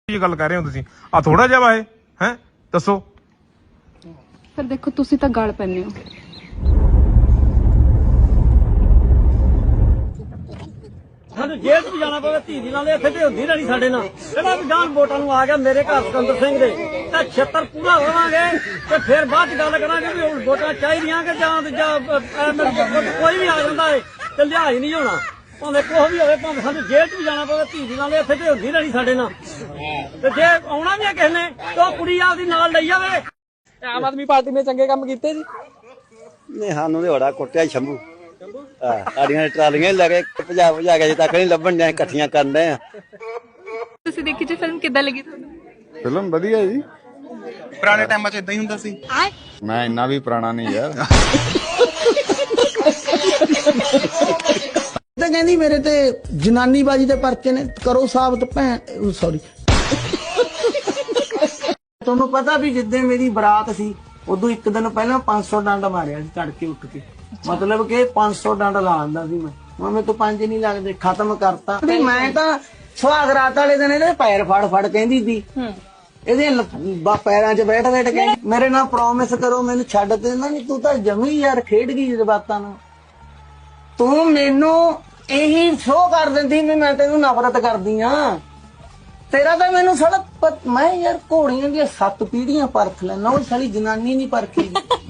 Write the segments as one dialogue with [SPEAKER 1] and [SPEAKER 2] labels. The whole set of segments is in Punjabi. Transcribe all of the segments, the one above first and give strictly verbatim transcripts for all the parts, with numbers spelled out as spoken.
[SPEAKER 1] गल कर रहे हो तुसीं आ थोड़ा जिहा वा है दसो
[SPEAKER 2] फिर देखो तुसीं तां गल पैंदे हो
[SPEAKER 3] जेल च जाना पवे धी दी नाल इत्थे ते हुंदी नहीं साडे नाल जेड़ा भी जान वोटां नूं आ गया मेरे घर सिकंदर सिंह दे ते छिहत्तर पूरा होवांगे ते फिर बाद गल करांगे भी हुण वोटां चाहीदियां कि जां कोई भी आ जांदा है ते लिहाज नहीं होना भावें कुछ भी होवे भावें सानूं जेल च भी जाना पवे धी दी नाल इत्थे ते हुंदी नहीं साडे नाल ते जे आउणा भी है किसे ने ते ओह कुड़ी आपदी नाल लई जावे।
[SPEAKER 4] आम आदमी पार्टी ने चंगे काम कीते जी
[SPEAKER 5] नहीं सानू तो बड़ा कुटिया शंभू साड़ियां ट्रालियां लगे भजा भजा के अजे तक नहीं लभण डे इकट्ठियां करन डे
[SPEAKER 2] ਤੁਸੀਂ ਦੇਖੀ ਜੀ ਫਿਲਮ ਕਿੱਦਾਂ ਲੱਗੀ ਤੁਹਾਨੂੰ
[SPEAKER 6] ਫਿਲਮ ਵਧੀਆ ਜੀ
[SPEAKER 1] ਪੁਰਾਣੇ ਟਾਈਮਾਂ 'ਚ ਇਦਾਂ ਹੀ ਹੁੰਦਾ ਸੀ
[SPEAKER 6] ਮੈਂ ਇੰਨਾ ਵੀ ਪੁਰਾਣਾ ਨਹੀਂ ਯਾਰ
[SPEAKER 7] ਤੇ ਕਹਿੰਦੀ ਮੇਰੇ ਤੇ ਜਨਾਨੀ ਬਾਜੀ ਦੇ ਪਰਚੇ ਨੇ ਕਰੋ ਸਾਬਤ ਭੈਣ ਸੌਰੀ ਤੁਹਾਨੂੰ ਪਤਾ ਵੀ ਜਿੱਦਾਂ ਮੇਰੀ ਬਰਾਤ ਸੀ ਉਦੋਂ ਇੱਕ ਦਿਨ ਪਹਿਲਾਂ ਪੰਜ ਸੌ ਡੰਡ ਮਾਰਿਆ ਸੀ ਤੜਕੇ ਉੱਠ ਕੇ मतलब कि पांच सौ डंड ला आंदा सी मैं मैं तो पांच नहीं लगदे खत्म करता भी मैं तो सुहाग रात वाले दिन इहदे पैर फड़ फड़ कहंदी सी इहदे पैरां 'च बैठ बैठ के मेरे नाल प्रॉमिस करो मैनू छड्ड दे ना नहीं तू तां जमी यार खेड गई जज्बातां नाल तू मैनू यही शो कर दिंदी भी मैं तैनू नफरत करदी हां तेरा तो मैनू साला मैं यार घोड़ियां दी सत्त पीढ़ियां परख लैना ओह साली जनानी नहीं परखी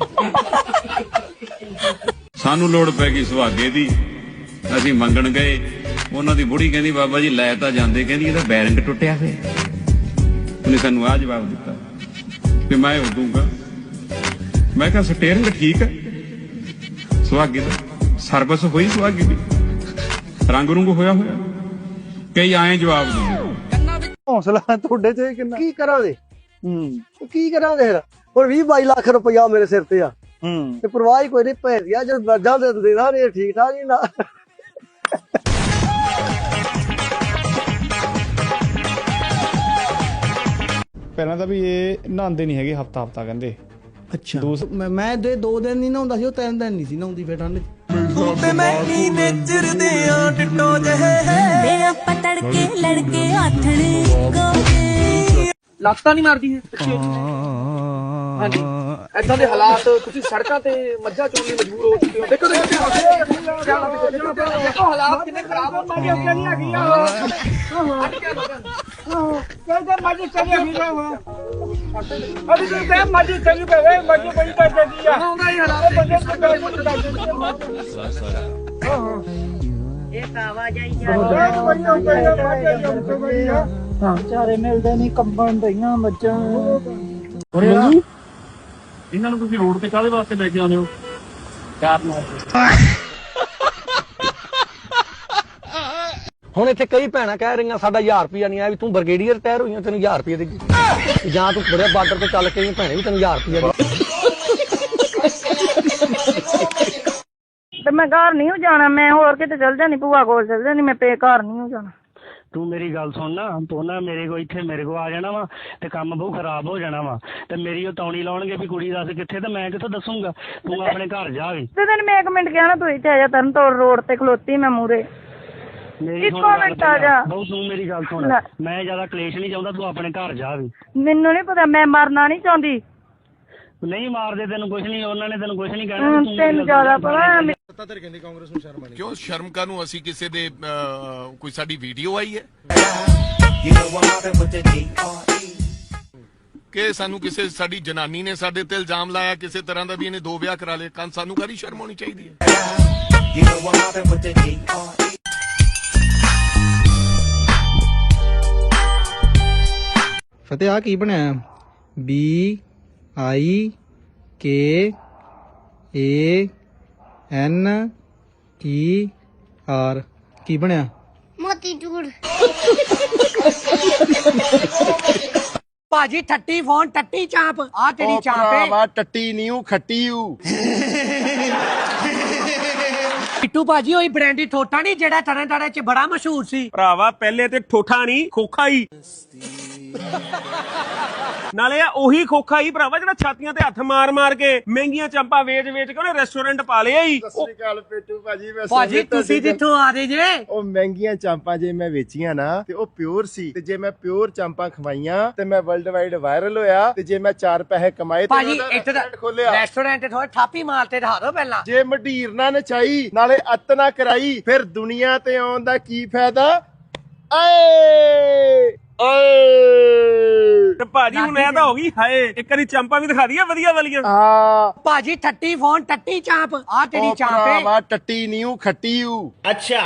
[SPEAKER 8] सानू लोड़ पै गई सुहागे दी असीं मंगण गए उन्हां दी बुढ़ी कहंदी बाबा जी लै तां जांदे कहंदी इहदा बैरिंग टुੱਟਿਆ फिर उन्हें सानू आ जवाब दिता कि मैं हो दूंगा मैं कहा स्टीयरिंग ठीक है सुहागे दा सर्विस हुई सुहागे दी रंग रुंग होया होया कई आए जवाब दे
[SPEAKER 5] हौसला ਤੁਹਾਡੇ ਚ ਕਿੰਨਾ ਕੀ ਕਰਾਂ ਦੇ ਹੂੰ ਕੀ ਕਰਾਂ ਦੇ ਹੁਣ ਵੀਹ ਬਾਈ ਲੱਖ ਰੁਪਇਆ ਮੇਰੇ ਸਿਰ ਤੇ ਆ ਹੂੰ ਤੇ ਪਰਵਾਹ ਕੋਈ ਨਹੀਂ ਭੈਣ ਗਿਆ ਜਦ ਵਰਜਾਂ ਦੇ ਦਿੰਦੇ ਨਾ ਇਹ ਠੀਕ ਠਾਕ ਹੀ ਨਾ
[SPEAKER 6] ਪਹਿਲਾਂ ਤਾਂ ਵੀ ਇਹ ਨਹਾਉਂਦੇ ਨਹੀਂ ਹੈਗੇ ਹਫਤਾ ਹਫਤਾ ਕਹਿੰਦੇ
[SPEAKER 7] ਅੱਛਾ ਮੈਂ ਦੇ ਦੋ ਦਿਨ ਨਹੀਂ ਨਹਾਉਂਦਾ ਸੀ ਉਹ ਤਿੰਨ ਦਿਨ ਨਹੀਂ ਸੀ ਨਹਾਉਂਦੀ ਫਿਰ ਠੰਡ
[SPEAKER 4] ਤੇ ਮੈਂ ਹੀ ਨੇਚਰਦੇ ਆ ਟਿੱਟੋ ਜਿਹੇ ਵੇ ਆਪਾਂ ਤੜਕੇ ਲੜਕੇ ਆਥਣੇ ਗੋਗੇ ਲੱਤਾਂ ਨਹੀਂ ਮਾਰਦੀ ਹੈ ਪਿੱਛੇ ਹਾਂਜੀ ਇਦਾਂ ਦੇ ਹਾਲਾਤ ਤੁਸੀਂ ਸੜਕਾਂ ਤੇ ਮੱਝਾਂ ਚੋਣ ਲਈ ਮਜਬੂਰ ਹੋ ਚੁੱਕੇ ਹੋ ਦੇਖੋ ਦੇਖੋ ਹਾਲਾਤ ਕਿੰਨੇ ਖਰਾਬ ਹੋ ਗਏ ਅੱਗੇ ਨਹੀਂ ਹੈਗੀ ਆ ਕਹਿੰਦੇ ਮੱਝ ਚੱਲੀ ਵੀ ਜਾਵਾ ਅਭੀ ਤੇ ਤੇ ਮੱਝ ਚੱਲੀ ਪਵੇ ਮੱਝ ਬੜੀ ਕਰ ਦਿੰਦੀ ਆ ਆਉਂਦਾ ਹੀ ਹਾਲਾਤ ਬੰਦੇ ਇਹ ਆਵਾਜਾਈ ਜਾ ਹਾਂ ਚਾਰੇ ਮਿਲਦੇ ਨਹੀਂ ਕੰਬਣ ਦਈਆਂ ਮੱਝਾਂ
[SPEAKER 3] ਇਹਨਾਂ ਨੂੰ ਤੁਸੀਂ ਰੋਡ ਤੇ ਕਾਹਦੇ ਵਾਸਤੇ ਲੈ ਕੇ ਆਉਂਦੇ ਹੋ ਕਾਰਨ
[SPEAKER 5] ਹੁਣ ਇੱਥੇ ਕਈ ਭੈਣਾਂ ਕਹਿ ਰਹੀਆਂ ਸਾਡਾ ਹਜ਼ਾਰ ਰੁਪਇਆ ਨਹੀਂ ਆਇਆ ਵੀ ਤੂੰ ਬਰਗੇਡੀਅਰ ਰਿਟਾਇਰ ਹੋਈਆਂ ਤੈਨੂੰ ਹਜ਼ਾਰ ਰੁਪਇਆ ਦੇਗੀ ਜਾਂ ਤੂੰ ਬੜੇ ਬਾਰਡਰ ਤੇ ਚੱਲ ਕੇ ਭੈਣੇ ਵੀ ਤੈਨੂੰ ਹਜ਼ਾਰ ਰੁਪਇਆ
[SPEAKER 9] ਤੇ ਮੈਂ ਘਰ ਨਹੀਂ ਹੋ ਜਾਣਾ ਮੈਂ ਹੋਰ ਕਿਤੇ ਚਲ ਜਾਣੀ ਭੂਆ ਕੋਲ ਚਲ ਜਾਣੀ ਮੈਂ ਪੇ ਘਰ ਨਹੀਂ ਹੋ ਜਾਣਾ
[SPEAKER 3] ਤੂੰ ਮੇਰੀ ਗੱਲ ਸੁਣ ਨਾ ਤੂੰ ਨਾ ਮੇਰੇ ਕੋਲ ਇੱਥੇ ਮੇਰੇ ਕੋਲ ਆ ਜਾਣਾ ਵਾ ਤੇ ਕੰਮ ਬਹੁਤ ਖਰਾਬ ਹੋ ਜਾਣਾ ਵਾ ਤੇ ਮੇਰੀ ਉਹ ਤੌਣੀ ਲਾਉਣਗੇ ਵੀ ਕੁੜੀ ਦੱਸ ਕਿੱਥੇ ਤੇ ਮੈਂ ਕਿੱਥੋਂ ਦੱਸੂਗਾ ਤੂੰ ਆਪਣੇ ਘਰ ਜਾ ਵੀ
[SPEAKER 9] ਤੇ ਤੈਨੂੰ ਮੈਂ ਇੱਕ ਮਿੰਟ ਕਿਹਾ ਨਾ ਤੂੰ ਇੱਥੇ ਆ ਜਾ ਤਰਨ ਤੋੜ ਰੋਡ ਤੇ ਖਲੋਤੀ ਮੈਂ ਮੂਰੇ ਇੱਕੋ ਮਿੰਟ ਆ ਜਾ
[SPEAKER 3] ਬਹੁਤ ਤੂੰ ਮੇਰੀ ਗੱਲ ਸੁਣ ਮੈਂ ਜ਼ਿਆਦਾ ਕਲੇਸ਼ ਨਹੀਂ ਚਾਹੁੰਦਾ ਤੂੰ ਆਪਣੇ ਘਰ ਜਾ ਵੀ
[SPEAKER 9] ਮੈਨੂੰ ਨਹੀਂ ਪਤਾ ਮੈਂ ਮਰਨਾ ਨਹੀਂ ਚਾਹੁੰਦੀ
[SPEAKER 3] ਨਹੀਂ ਮਾਰਦੇ ਤੈਨੂੰ ਕੁਝ ਨਹੀਂ ਉਹਨਾਂ ਨੇ ਤੈਨੂੰ ਕੁਝ ਨਹੀਂ ਕਹਿਣਾ
[SPEAKER 9] ਤੈਨੂੰ ਜ਼ਿਆਦਾ ਪਤਾ
[SPEAKER 10] ਕਿਉਂ ਸ਼ਰਮ ਕਾਨੂੰ ਅਸੀਂ ਕਿਸੇ ਦੇ ਕੋਈ ਸਾਡੀ ਵੀਡੀਓ ਆਈ ਹੈ ਕਿ ਸਾਨੂੰ ਕਿਸੇ ਸਾਡੀ ਜਨਾਨੀ ਨੇ ਸਾਡੇ ਤੇ ਇਲਜ਼ਾਮ ਲਾਇਆ ਕਿਸੇ ਤਰ੍ਹਾਂ ਦਾ ਵੀ ਇਹਨੇ ਦੋ ਵਿਆਹ ਕਰਾ ਲਏ ਕੰਨ ਸਾਨੂੰ ਕਾਹਦੀ ਸ਼ਰਮ ਹੋਣੀ ਚਾਹੀਦੀ ਹੈ
[SPEAKER 7] ਫਤਿਹ ਆ ਕੀ ਬਣਿਆ B I K A N E R ਕੀ ਬਣਿਆ
[SPEAKER 9] ਮੋਤੀ ਚੂੜ
[SPEAKER 4] ਭਾਜੀ ਠੱਟੀ ਫੋਨ ਟੱਟੀ ਚਾਂਪ ਆ ਕਿਹੜੀ ਚਾਂਪ ਹੈ
[SPEAKER 5] ਵਾ ਟੱਟੀ ਨਹੀਂ ਉਹ ਖੱਟੀ ਹੂ
[SPEAKER 4] ਪਿੱਟੂ ਭਾਜੀ ਉਹੀ ਬ੍ਰਾਂਡੀ ਠੋਠਾ ਨਹੀਂ ਜਿਹੜਾ ਤਰਨ ਤਾਰਨ ਚ ਬੜਾ ਮਸ਼ਹੂਰ ਸੀ
[SPEAKER 3] ਭਰਾਵਾ ਪਹਿਲੇ ਤੇ ਠੋਠਾ ਨਹੀਂ ਖੋਖਾ ਹੀ
[SPEAKER 11] ਨਾਲੇ ਆ ਉਹੀ ਖੋਖਾ ਹੀ ਭਰਾਵਾ ਜਿਹੜਾ ਛਾਤੀਆਂ ਤੇ ਹੱਥ ਮਾਰ ਮਾਰ ਕੇ ਮਹਿੰਗੀਆਂ ਚਾਂਪਾਂ ਵੇਚ ਵੇਚ ਕੇ ਉਹਨੇ ਰੈਸਟੋਰੈਂਟ ਪਾ ਲਿਆ ਹੀ।
[SPEAKER 12] ਸਤਿ ਸ੍ਰੀ ਅਕਾਲ ਪੇਟੂ ਭਾਜੀ। ਮੈਂ
[SPEAKER 7] ਭਾਜੀ ਤੁਸੀਂ ਜਿੱਥੋਂ ਆ ਰਹੇ ਜੇ
[SPEAKER 12] ਉਹ ਮਹਿੰਗੀਆਂ ਚਾਂਪਾਂ ਜੇ ਮੈਂ ਵੇਚੀਆਂ ਨਾ ਤੇ ਉਹ ਪਿਓਰ ਸੀ, ਤੇ ਜੇ ਮੈਂ ਪਿਓਰ ਚਾਂਪਾਂ ਖਵਾਈਆਂ ਤੇ ਮੈਂ ਵਰਲਡ ਵਾਈਡ ਵਾਇਰਲ ਹੋਇਆ, ਤੇ ਜੇ ਮੈਂ ਚਾਰ ਪੈਸੇ ਕਮਾਏ ਤੇ
[SPEAKER 7] ਭਾਜੀ
[SPEAKER 12] ਉਹਦਾ
[SPEAKER 7] ਇੱਥੇ ਦਾ
[SPEAKER 12] ਰੈਸਟੋਰੈਂਟ ਖੋਲਿਆ।
[SPEAKER 7] ਰੈਸਟੋਰੈਂਟ ਥੋੜਾ ਠਾਪੀ ਮਾਰਤੇ ਦਿਖਾ ਦਿਓ ਪਹਿਲਾਂ।
[SPEAKER 12] ਜੇ ਮਢੀਰ ਨਾ ਨਚਾਈ ਨਾਲੇ ਅੱਤ ਨਾ ਕਰਾਈ ਫਿਰ ਦੁਨੀਆ ਤੇ ਆਉਣ ਦਾ ਕੀ ਫਾਇਦਾ। ਏ ਏ
[SPEAKER 11] ਤੇ ਭਾਜੀ ਹੁਣ ਇਹ ਤਾਂ ਹੋ ਗਈ ਹਾਏ, ਇੱਕ ਵਾਰੀ ਚਾਂਪਾਂ ਵੀ ਦਿਖਾ ਦਈਏ ਵਧੀਆ ਵਾਲੀਆਂ।
[SPEAKER 12] ਹਾਂ
[SPEAKER 7] ਭਾਜੀ ਠੱਟੀ ਫੋਨ ਟੱਟੀ ਚਾਂਪ ਆ ਤੇਰੀ ਚਾਂਪ ਹੈ।
[SPEAKER 12] ਭਰਾਵਾ ਟੱਟੀ ਨੀਉ ਖੱਟੀਉ।
[SPEAKER 7] ਅੱਛਾ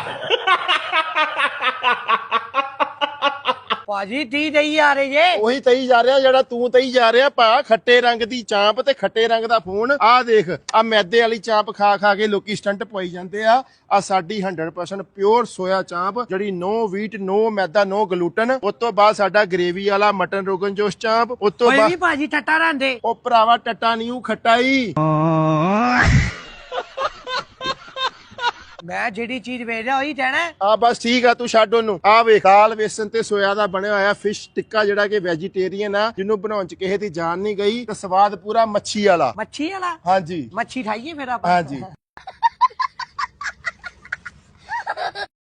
[SPEAKER 7] ਭਾਜੀ ਤੀ ਦਈ ਆ ਰਹੇ ਜੇ।
[SPEAKER 12] ਉਹੀ ਤਈ ਜਾ ਰਿਹਾ ਜਿਹੜਾ ਤੂੰ ਤਈ ਜਾ ਰਿਹਾ ਭਾ। ਖੱਟੇ ਰੰਗ ਦੀ ਚਾਂਪ ਤੇ ਖੱਟੇ ਰੰਗ ਦਾ ਫੋਨ। ਆਹ ਦੇਖ ਆ ਮੈਦੇ ਵਾਲੀ ਚਾਂਪ ਖਾ ਖਾ ਕੇ ਲੋਕੀ ਸਟੰਟ ਪਵਾਈ ਜਾਂਦੇ ਆ। ਆ ਸਾਡੀ hundred percent pure soya chaap ਜਿਹੜੀ ਨੋ ਵੀਟ ਨੋ ਮੈਦਾ ਨੋ ਗਲੂਟਨ। ਉਸ ਤੋਂ ਬਾਅਦ ਸਾਡਾ ਗ੍ਰੇਵੀ ਵਾਲਾ ਮਟਨ ਰੋਗਨ ਜੋਸ਼ ਚਾਂਪ। ਉਸ ਤੋਂ
[SPEAKER 7] ਕੋਈ
[SPEAKER 12] ਬਾਅਦ
[SPEAKER 7] ਵੀ ਭਾਜੀ ਟੱਟਾ ਰਹਿੰਦੇ।
[SPEAKER 12] ਉਹ ਭਰਾਵਾ ਟੱਟਾ ਨੀਉ ਖੱਟਾਈ।
[SPEAKER 7] ਮੈਂ ਜਿਹੜੀ ਚੀਜ਼ ਵੇਚ ਰਿਹਾ ਉਹੀ ਕਹਿਣਾ।
[SPEAKER 12] ਆ ਬਸ ਠੀਕ ਆ ਤੂੰ ਛੱਡ ਉਹਨੂੰ। ਆ ਵੇਖ ਦਾਲ ਵੇਸਣ ਤੇ ਸੋਇਆ ਦਾ ਬਣਿਆ ਹੋਇਆ ਫਿਸ਼ ਟਿੱਕਾ ਜਿਹੜਾ ਕਿ ਵੈਜੀਟੇਰੀਅਨ ਆ, ਜਿਹਨੂੰ ਬਣਾਉਣ ਚ ਕਿਸੇ ਦੀ ਜਾਨ ਨਹੀਂ ਗਈ ਤੇ ਸਵਾਦ ਪੂਰਾ ਮੱਛੀ ਵਾਲਾ।
[SPEAKER 7] ਮੱਛੀ ਵਾਲਾ?
[SPEAKER 12] ਹਾਂਜੀ
[SPEAKER 7] ਮੱਛੀ ਖਾਈਏ ਫਿਰ ਆਪਾਂ।
[SPEAKER 12] ਹਾਂਜੀ।